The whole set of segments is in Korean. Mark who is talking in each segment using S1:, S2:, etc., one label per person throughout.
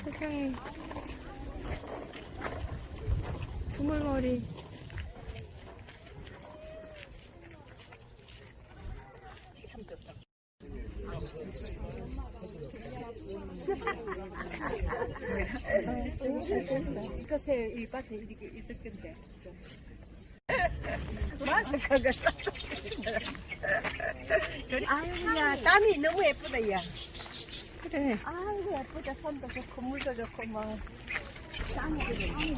S1: 세상에. 두물머리.
S2: 참 좋다. 글쎄 이 밭에 이렇게 있을 건데 마스크가 아유야 땀이 너무 예쁘다 야.
S1: 그래.
S2: 아이고 예쁘다. 손도 좋고 물도 좋고 뭐 땀이 좋고.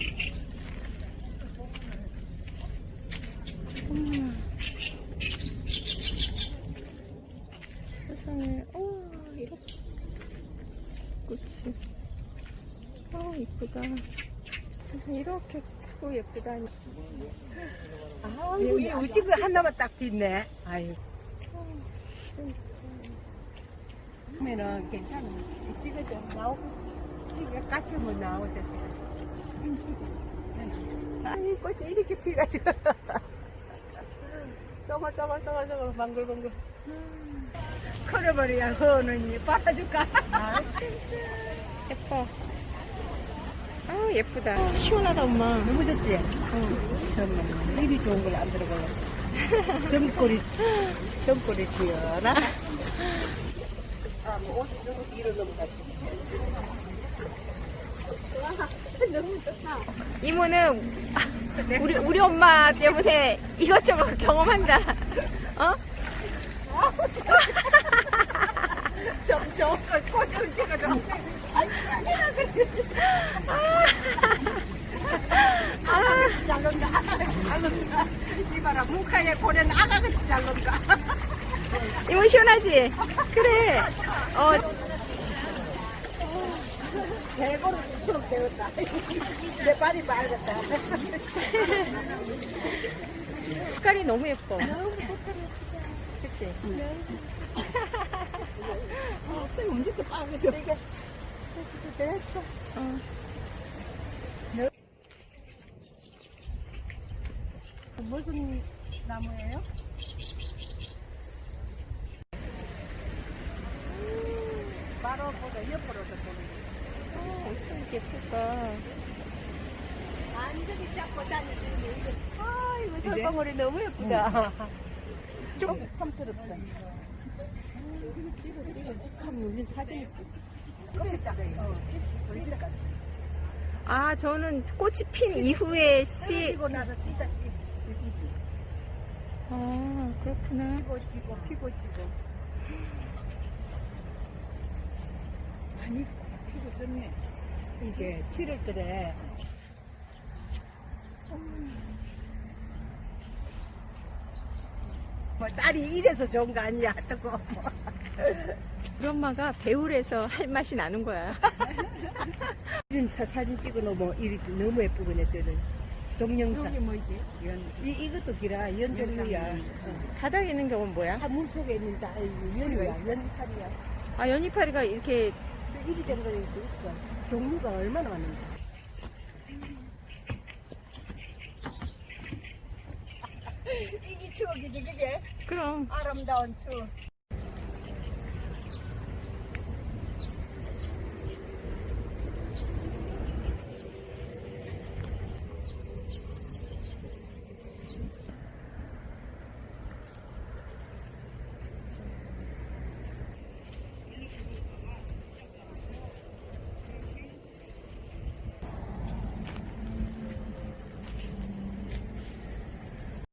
S1: 세상에. 우와, 이렇게. 꽃이. 이쁘다. 이렇게 크고 예쁘다니.
S2: 여기 우지가 하나만 딱 빛네. 아유. 그러면은 괜찮아. 찍어줘. 나오고. 찍어 까치면 나오죠. 아이 꽃이 이렇게 피가지고. 쏘글쏘글 방글방글. 커려버려야 허는 빨아줄까?
S1: 예뻐. 예쁘다. 시원하다, 엄마.
S2: 너무 좋지? 정말 이리 좋은 걸 안 들어볼래. 등골이 시원하. 뭐 옷이 좀 뒤로 넘어가지. 너무 좋다.
S1: 이모는 우리 엄마 때문에 이것저것 경험한다. 어?
S2: 좀 좋은 걸 꽂으면 찍어줘. 잘 논다. 이봐라, 뭉카에 보낸 아가같이 잘 논다.
S1: 이모 시원하지? 그래.
S2: 최고로 수처럼 배웠다. 내 발이 맑았다.
S1: 색깔이 너무 예뻐. 그치?
S2: 언제부터 빨개져? 이게 됐어. 무슨 나무예요? 바로 보다 옆으로도 보는 거.
S1: 엄청 예쁘다.
S2: 완전히 잡고 다니시는 게
S1: 이거
S2: 이제?
S1: 설방울이 너무 예쁘다.
S2: 좀 탐스럽다. 찍어. 참 우리 사진 찍었다. 우리 집 같이.
S1: 저는 꽃이 핀 이후에
S2: 떨어지고 나서 씨다 씨. 예쁘지?
S1: 그렇구나.
S2: 피고 지고. 많이 피고 졌네. 이게 7월달에. 뭐 딸이 이래서 좋은 거 아니야? 뜨거.
S1: 우리 엄마가 배울에서 할 맛이 나는 거야.
S2: 이런 차 사진 찍어 놓으면 이렇게 너무 예쁘고 내들은 동영상.
S3: 여기 뭐지?
S2: 이것도 기라 연종류야.
S1: 바닥에 있는 경우는 뭐야?
S2: 물 속에 있는 다 연이야. 연이파리야.
S1: 연이파리가 이렇게
S2: 이리 된 거 있어. 종류가 얼마나 많은데. 이게 추억이지, 그제?
S1: 그럼
S2: 아름다운 추억.